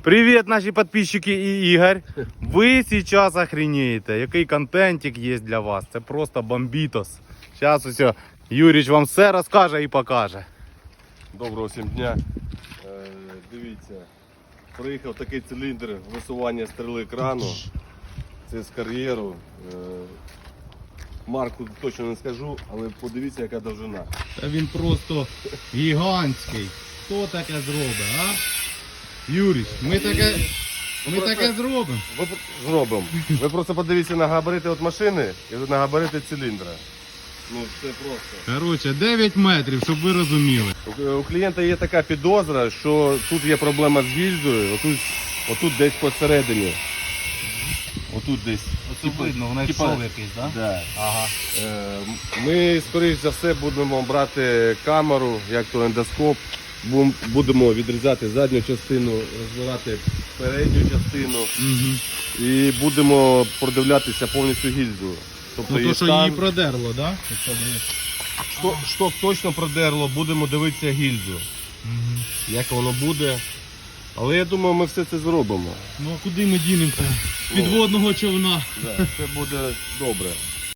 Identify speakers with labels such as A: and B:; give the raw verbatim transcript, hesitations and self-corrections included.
A: Привет, наши подписчики и Игорь. Вы сейчас охренеете, який контентик є для вас. Це просто бомбітос. Зараз усе Юріч вам все розкаже і покаже.
B: Доброго всім дня. Е, дивіться, приїхав такий циліндр висування стріли крану. Це з кар'єру. Е, марку точно не скажу, але подивіться, яка довжина.
A: Та він просто гігантський. Хто таке зробить, а? Юріч, ми таке, ми таке зробимо.
B: Ви зробимо. Ви просто подивіться на габарити від машини і на габарити циліндра. Ну, це просто.
A: Коротше, дев'ять метрів, щоб ви розуміли.
B: У, у клієнта є така підозра, що тут є проблема з гільзою, отут, отут десь посередині. Отут десь.
A: Оце видно, вона
B: типа,
A: шов якийсь, так? Да?
B: Да.
A: Ага.
B: Е, Ми, скоріш за все, будемо брати камеру, як то ендоскоп, Бу- будемо відрізати задню частину, розбирати передню частину
A: Угу.
B: і будемо продивлятися повністю гільзу. Тобто
A: Ну то,
B: її
A: що
B: стан,
A: її продерло, так? Да?
B: що, що точно продерло, будемо дивитися гільзу,
A: Угу.
B: як воно буде. Але я думаю, ми все це зробимо.
A: Ну а куди ми дінемося? З підводного човна.
B: Да, це буде добре.